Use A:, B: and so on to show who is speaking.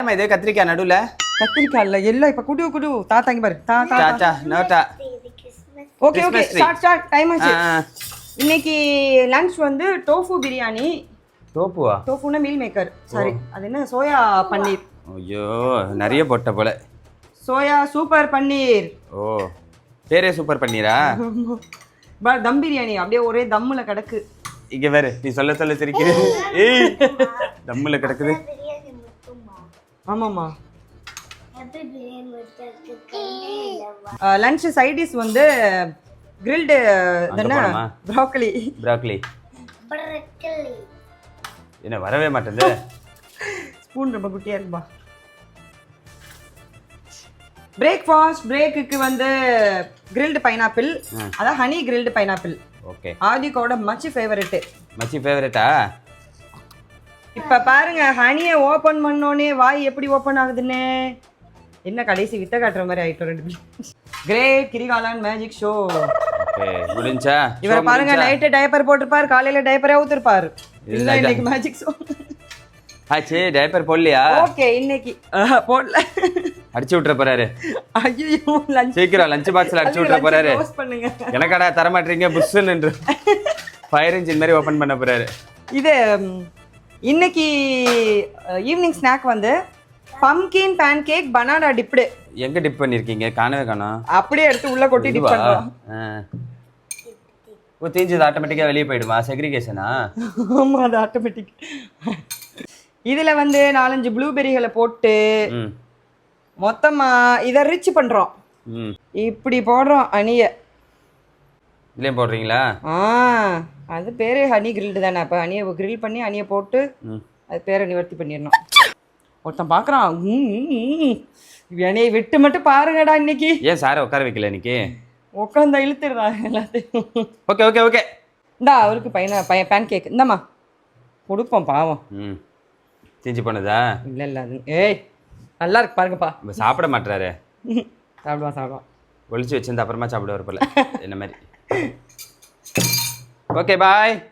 A: இது கத்திரிக்காய் நடுவில்
B: கத்திரிக்காய் இல்லை எல்லாம் இப்போ குடு தாத்தாங்க பாரு
A: டாடா நோட்டா.
B: ஓகே ஸ்டார்ட் டைம் ஆச்சு. இன்னைக்கு லஞ்ச் வந்து டோஃபு பிரியாணி. டோஃபுனா மீல் மேக்கர், சாரி அது என்ன சோயா பன்னீர்.
A: ஐயோ நிறைய போட்ட போல.
B: சோயா சூப்பர் பன்னீர்.
A: ஓ பேரே சூப்பர் பன்னீரா?
B: தம் பிரியாணி அப்படியே ஒரே தம்முல கிடக்கு.
A: இங்க வேற நீ சொல்ல சிரிக்குது. ஏய் தம்முல கிடக்குது.
B: ஆமாம்மா. லஞ்ச் சைட் டிஷ் வந்து கிரில்டு ப்ரோக்கலி.
A: என்ன வரவே மாட்டேங்குது.
B: ஸ்பூன் ரொம்ப குட்டியா இருக்குப்பா. பிரேக்ஃபாஸ்ட் பிரேக்குக்கு வந்து கிரில்டு பைனாப்பிள், அதான் ஹனி கிரில்டு பைனாப்பிள்.
A: ஓகே.
B: ஆதிக்கோட மச்சி ஃபேவரட்டா? இப்ப பாருங்க ஹனியை ஓபன் பண்ணோனே வாய் எப்படி ஓபன் ஆகுதுன்னு. என்ன கடைசி வித்த காட்டுற மாதிரி ஆயிட்டோம் ரெண்டு பேரும். Great Kirikalan magic show.
A: Okay முடிஞ்சா?
B: இவரை பாருங்க நைட் டைப்பர் போட்டுருப்பாரு, காலையில டைப்பரே ஊத்திருப்பாரு. இல்ல இன்னைக்கு மேஜிக் ஷோ
A: ஆச்சு. டைப்பர் போடலையா?
B: ஓகே இன்னைக்கு போடல.
A: அடிச்சு விட்டுற போறாரு.
B: ஐயோ லஞ்ச்
A: சீக்கிரம் லஞ்ச் பாக்ஸ்ல அடிச்சு விட்டுற போறாரு.
B: க்ளோஸ் பண்ணுங்க.
A: எனக்கடா தர மாட்டீங்க புஷ்ன்னு ஃபயர் இன்ஜின் மாதிரி ஓபன் பண்ண போறாரு.
B: இது இன்னைக்கு ஈவினிங் ஸ்நாக் வந்து pumpkin pancake banana dipped.
A: எங்க டிப் பண்ணிருக்கீங்க? காணவே காணோம்.
B: அப்படியே எடுத்து உள்ள கொட்டி டிப் பண்றோம்.
A: ஓ தீஞ்சது ஆட்டோமேட்டிக்கா வெளியே போயிடுமா? செக்ரிகேஷனா?
B: ஆமா அது ஆட்டோமேட்டிக். இதுல வந்து 4-5 ப்ளூபெரிகளை போட்டு மொத்தமா இதை ரிச் பண்றோம். இப்படி போடுறோம் அணிய.
A: இல்லையே போடுறீங்களா?
B: அது பேரு ஹனி கிரில்டு தானே. அப்போ ஹனியை கிரில் பண்ணி ஹனியை போட்டு அது பேரை நிவர்த்தி பண்ணிடணும். ஒருத்தன் பார்க்குறான், என்னையை விட்டு மட்டும் பாருங்கடா இன்னைக்கு.
A: ஏன் சாரை உட்கார வைக்கல இன்னைக்கு?
B: உட்காந்தா இழுத்துடுறான் எல்லாத்தையும்.
A: ஓகே
B: இந்தா அவருக்கு பேன் கேக் இந்தாம்மா கொடுப்போம் பாவம்.
A: தீஞ்சு போனதா?
B: இல்லை அது ஏய் நல்லா இருக்கு பாருங்கப்பா.
A: சாப்பிட மாட்டாரு.
B: சாப்பிடுவான்
A: ஒளிச்சு வச்சிருந்த அப்புறமா சாப்பிடுவார் போல என்ன மாதிரி. ஓகே பாய்.